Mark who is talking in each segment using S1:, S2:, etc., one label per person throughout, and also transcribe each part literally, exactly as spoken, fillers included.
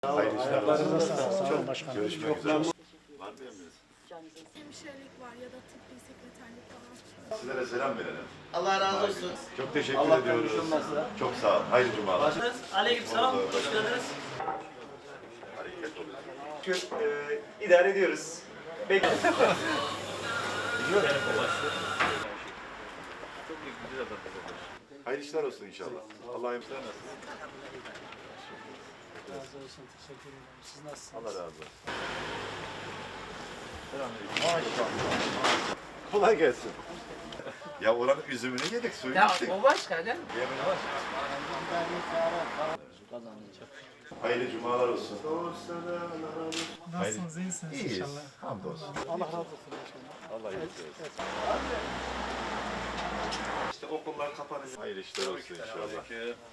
S1: Hayırlı işler
S2: Ayaklarınıza
S1: olsun.
S2: sağlık. Sağ olun başkanım.
S1: Görüşmek üzere. Var mı emriniz?
S3: Hemşirelik var ya da tıbbi sekreterlik falan.
S1: Sizlere selam verelim.
S4: Allah razı olsun.
S1: Çok teşekkür
S4: Allah
S1: ediyoruz.
S4: konuşulmazsa.
S1: Çok sağ olun. Hayırlı cumalar.
S4: Aleyküm selam.
S1: Oldu.
S4: Hoş geldiniz.
S1: Hareket oluyor.
S5: Şükür e, idare ediyoruz. Peki.
S1: Hayırlı işler olsun inşallah. Allah'a emanet olun.
S2: Razı olsun. Teşekkür ederim. Siz nasılsınız?
S1: Allah razı olsun. Kolay gelsin. Ya oranın üzümünü yedik, suyunu
S4: Ya
S1: içtik.
S4: o başka değil mi?
S1: Yemini var. Hayırlı cumalar olsun.
S2: Nasılsınız? İyisiniz
S1: İyiyiz.
S2: inşallah.
S1: Hamdolsun.
S2: Allah razı olsun inşallah.
S1: Allah iyilik versin.
S5: İşte okullar kapanacak.
S1: Hayırlı işler olsun inşallah.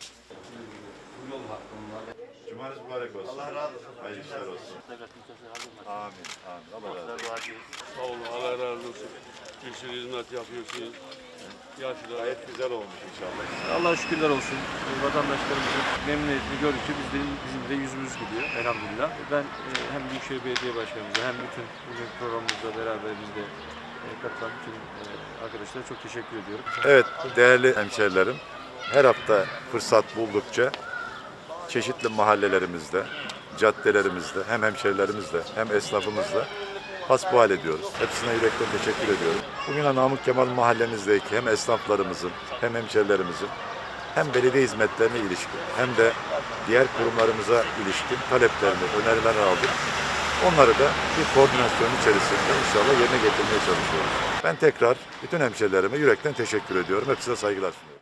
S1: Cumanız mübarek olsun. Allah razı olsun. Hayırlı işler olsun. Amin. Amin. Allah razı olsun.
S6: Sağ olun, Allah razı olsun. Bir sürü hizmet yapıyorsunuz. Yaşlılar.
S1: Gayet güzel olmuş inşallah.
S7: Allah'a şükürler olsun. Vatandaşlarımızın memnuniyetini gördükçe biz de, bizim de yüzümüz gidiyor elhamdülillah. Ben e, hem Büyükşehir Belediye Başkanımıza hem bütün bugün programımızda beraberimizde e, katılan bütün e, arkadaşlara çok teşekkür ediyorum.
S1: Evet değerli hemşerilerim, her hafta fırsat buldukça çeşitli mahallelerimizde, caddelerimizde hem hemşerilerimizle hem esnafımızla hasbihal ediyoruz. Hepsine yürekten teşekkür ediyorum. Bugün Namık Kemal mahallemizdeki hem esnaflarımızın hem hemşerilerimizin hem belediye hizmetlerine ilişkin hem de diğer kurumlarımıza ilişkin taleplerini, önerilerini aldık. Onları da bir koordinasyon içerisinde inşallah yerine getirmeye çalışıyoruz. Ben tekrar bütün hemşerilerime yürekten teşekkür ediyorum. Hepsine saygılar sunuyorum.